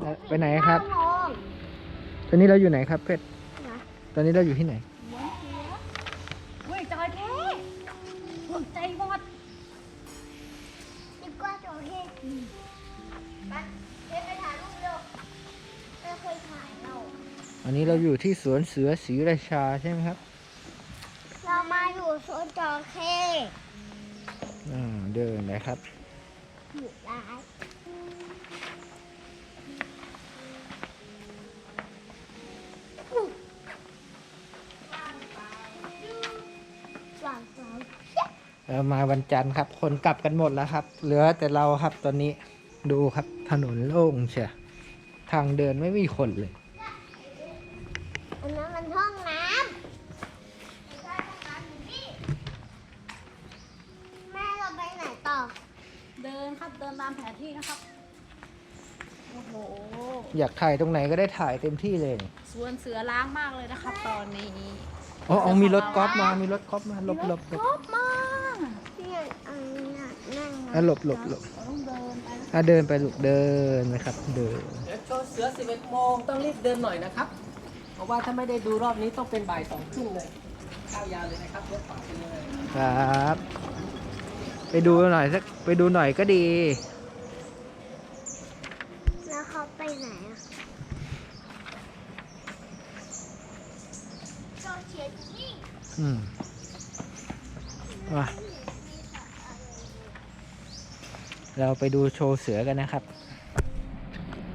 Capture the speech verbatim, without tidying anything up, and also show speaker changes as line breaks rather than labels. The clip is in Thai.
ไปไหนครับตอนนี้เราอยู่ไหนครับเพชรตอนนี้เราอยู่ที่ไหน
เฮ้ยจอยแท้หัวใจบอดดีกว่าจอยแท้ไปเพชรไปถ่ายรูปเร็วไม่เคยถ่ายเรา
อันนี้เราอยู่ที่สวนเสือศรีราชาใช่ไหมครับ
เรามาอยู่สวนจระเข้
อ่าเดินนะครับ
อยู่ร้าน
เรามาวันจันทร์ครับคนกลับกันหมดแล้วครับเหลือแต่เราครับตอนนี้ดูครับถนนโล่งเชียทางเดินไม่มีคนเลย
อันนั้นมันห้องน้ำแม่เราไปไหนต่อเดินครับเดินตามแผนที่นะครับโอ้โห
อยากถ่ายตรงไหนก็ได้ถ่ายเต็มที่เลย
สวนเสือล้างมากเลยนะครับตอนนี้
อ๋อมีรถกอล์ฟมามีรถกอล์ฟมาหลบหลบหลบ
ชอบมากพี่อันนี้นั่ง
อ่ะหลบหลบหลบ
ต้องเดินไป
อ่ะเดินไปลูกเดินนะครับเดิน
เดี๋ยวโชว์เสือสิบเอ็ดโมงต้องรีบเดินหน่อยนะครับเพราะว่าถ้าไม่ได้ดูรอบนี้ต้องเป็นบ่ายสองครึ่งเลยข้าวยาวเลยนะครับเดี๋ยวฝากไปเลย
ครับ ไปดูหน่อยสักไปดูหน่อยก็ดี
แล้วเขาไปไหนอ่ะโชว์เชียร์นี่
อืมว่าเราไปดูโชว์เสือกันนะครับ